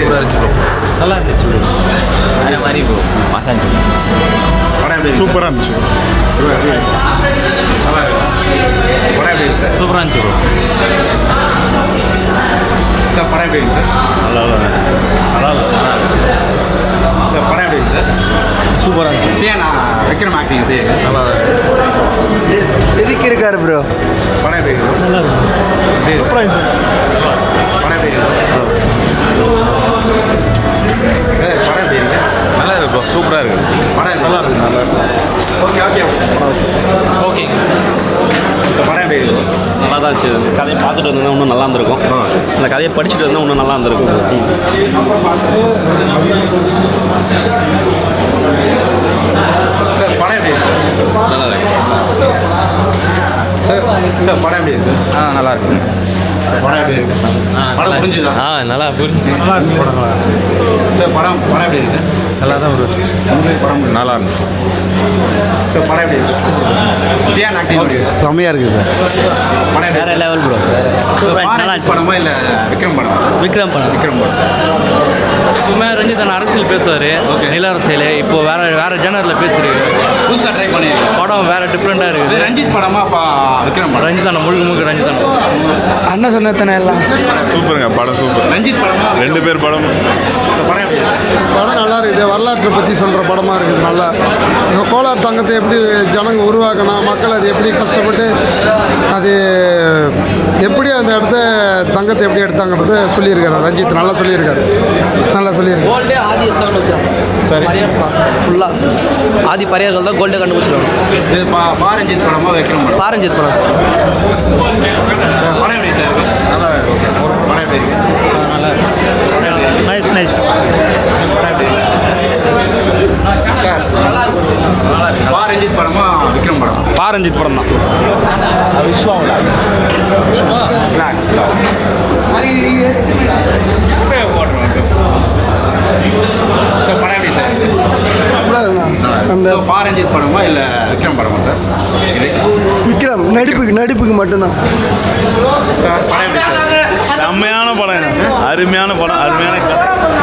சூப்பராக இருந்துச்சு ப்ரோ. நல்லா இருந்துச்சு ப்ரோ. அதே மாதிரி ப்ரோ மசாலா படம் எப்படி சூப்பராக இருந்துச்சு நல்லா இருக்கு படம் எப்படி இருக்கு சார்? சூப்பராக இருந்துச்சு ப்ரோ. சார் படம் எப்படி இருக்கு சார்? நல்லா சார் படம் எப்படி இருக்கு சார்? சூப்பராக இருந்துச்சு. சியானா விக்ரம் ஆக்டிங் எப்படி இருக்கு? நல்லா செதுக்கி இருக்காரு ப்ரோ. படம் எப்படி இருக்கு? நல்லா இருக்கு. எப்படி இருக்கு? சூப்பராக இருந்துச்சு. படம் எப்படி இருக்கு? படம் எப்படி இருக்கு? நல்லா இருக்கு ப்ரோ. சூப்பராக இருக்கு. படம் நல்லா இருக்கு. நல்லா இருக்கு. Okay okay okay. சார் படம் எப்படி இருக்கு? நல்லா தான் இருந்துச்சு. கதையை பார்த்துட்டு வந்தோம்னா இன்னும் நல்லா இருந்திருக்கும். அந்த கதையை படிச்சுட்டு வந்தால் இன்னும் நல்லா இருந்திருக்கும். சார் படம் எப்படி இருக்கு சார்? நல்லா இருக்கு. சார் சார் படம் எப்படி இருக்கு சார்? நல்லா இருக்கு. சார் படம் எப்படி இருக்கு? படம் புரிஞ்சுதா? நல்லா புரிஞ்சு. நல்லா இருந்துச்சு படம். சார் படம் படம் எப்படி இருக்கு சார்? நல்லா தான் ப்ரோ. உங்களுக்கு படம் நல்லா இருந்துச்சு. சார் படம் எப்படி இருக்கு சார்? சியான் ஆக்டிங் எப்படி இருக்கு? செம்மையாக இருக்குது சார். படம் எப்படி வேற இருக்கு? Level bro. பாரதி படமா இல்லை விக்ரம் படமா சார்? விக்ரம் படம். விக்ரம் படம். எப்பவுமே ரஞ்சித் அண்ணா அரசியல் பேசுவார். Okay. நில அரசியல் இப்போ வேற ஜேனரில் பேசுறாரு. புதுசாக ட்ரை பண்ணியிருக்கேன். படம் வேற டிஃப்ரெண்டாக இது இருக்குது. ரஞ்சித் படமா அப்பா விக்ரம் படம்? ரஞ்சித் அண்ணா முழுக்க ரஞ்சித் அண்ணா அண்ணன் சொன்னதானே எல்லாம். சூப்பருங்க படம். சூப்பர். ரஞ்சித் படமா ரெண்டு பேர் படம். இந்த படம் எப்படி இருக்கு சார்? படம் நல்லா இருக்குது. வரலாற்றை பற்றி சொல்கிற படமாக இருக்குது. நல்லா எங்கள் கோலார் தங்கத்தை எப்படி ஜனங்க உருவாக்கணும், மக்கள் அது எப்படி கஷ்டப்பட்டு அது எப்படி அந்த இடத்த தங்கத்தை எப்படி எடுத்தாங்கிறது சொல்லியிருக்காரு ரஞ்சித். நல்லா சொல்லியிருக்காரு. நல்லா சொல்லியிருக்காரு. கோல்டே ஆதி தான் வச்சிருக்காங்க. சரி. பரியர்ஸ் தான் ஃபுல்லாக ஆதி பரியர்கள் தான் கோல்டே கண்டுபிடிச்சிருக்காங்க. இது பாரஞ்சித் படமா விக்ரம் படம்? பாரஞ்சித் படம் படம் எப்படி சார் இருக்கு? நல்லா இருக்கு. படம் எப்படி இருக்கு? Nice nice. படம் எப்படி இருக்கு? சார் பாரஞ்சித் படமா விக்ரம் படம்? பாரஞ்சித் படம் தான். ரிலாக்ஸ். சார் படம் எப்படி சார் இருக்கு? அந்த So, பாரஞ்சித் படமா இல்லை விக்ரம் படமா சார் இது? விக்ரம் நடிப்புக்கு மட்டும்தான். சார் படம் எப்படி சார்? செம்மையான படம். அருமையான படம். அருமையான கதை.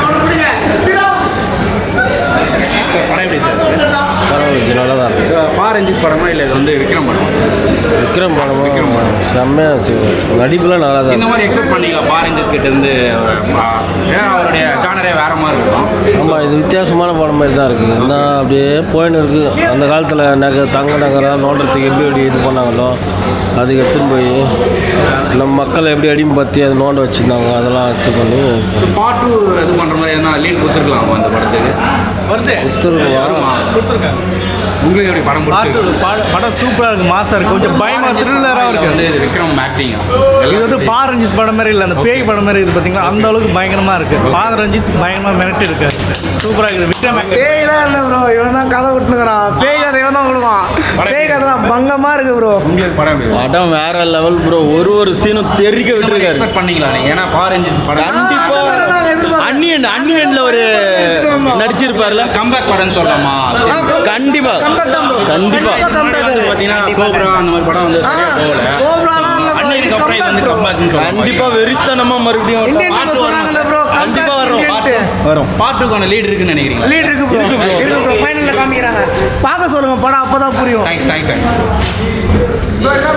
சார் படம் எப்படி சார் இருக்கு? பரவாயில்ல. நல்லா தான் இருக்கு. பாரஞ்சித் படமா இல்லை இது வந்து விக்ரம் படமா சார்? விக்ரம் படம். விக்ரம் படம். செம்மையாக இருந்துச்சு. நடிப்புலாம் நல்லா தான் இந்த இருக்கு. மாதிரி எக்ஸ்பெக்ட் பண்ணிக்கலாம் பாரஞ்சித் கிட்ட இருந்து. ஏன்னா அவருடைய ஜானரே வேற மாதிரி இருக்கும். ஆமாம், இது வித்தியாசமான படம் மாதிரி தான் இருக்குது. என்ன அப்படியே போயின்னு இருக்குது. அந்த காலத்தில் தங்க நகரம் நோண்டுறதுக்கு எப்படி இது பண்ணாங்களோ அதுக்கு எடுத்துன்னு போய் நம்ம மக்களை எப்படி அடிமைப்படுத்தி அதை நோண்ட வச்சுருந்தாங்க. அதெல்லாம் இது பண்ணி பார்ட் 2 இது பண்ணுற மாதிரி எதனா லீட் கொடுத்துருக்கலாமா அந்த படத்துக்கு? வருமா? உங்களுக்கு எப்படி படம் பிடிச்சிருக்கு? படம் சூப்பராக இருக்குது. மாசாக இருக்குது. கொஞ்சம் பயமாக த்ரில்லராக இருக்குது. வந்து இது விக்ரம் ஆக்டிங் இது வந்து பாரஞ்சித் படம் மாதிரி இல்லை. அந்த பேய் படம் மாதிரி இருக்குது பார்த்தீங்களா? அந்த அளவுக்கு பயங்கரமாக இருக்குது. பாரஞ்சித் பயங்கரமாக மிரட்டி இருக்கு. சூப்பராக இருக்குது. விக்ரம் பேய்லாம் இல்லை ப்ரோ. இவன் தான் கதை விட்டுனுக்குறான். பேய் கதை இவன் தான் கொடுப்பான். பேய் கதை தான் பங்கமாக இருக்குது ப்ரோ. உங்களுக்கு படம் எப்படி? படம் வேற லெவல் ப்ரோ. ஒரு சீனும் தெரிக்க விட்டுருக்காரு. எக்ஸ்பெக்ட் பண்ணிக்கலாம் நீங்க. ஏன்னா பாரஞ்சித் படம் கண்டிப்பா அன்னியன் ஒரு நடிச்சிருப்பார்ல. கம்பேக் படம்னு சொல்லலாமா? கண்டிப்பா கண்டிப்பா பார்த்தீங்கன்னா கோப்ரா அந்த மாதிரி படம் வந்து சரியா போகல. அன்னைக்கு அப்புறம் இது வந்து கம்பேக்னு சொல்லலாம். கண்டிப்பா வெறித்தனமா மறுபடியும் கண்டிப்பா வரும். பார்ட் 2க்கான லீட் இருக்குன்னு நினைக்கிறீங்களா? லீட் இருக்கு ப்ரோ. ஃபைனலில் காமிக்கிறாங்க. பார்க்க சொல்லுங்க படம், அப்போ தான் புரியும். தேங்க்ஸ்.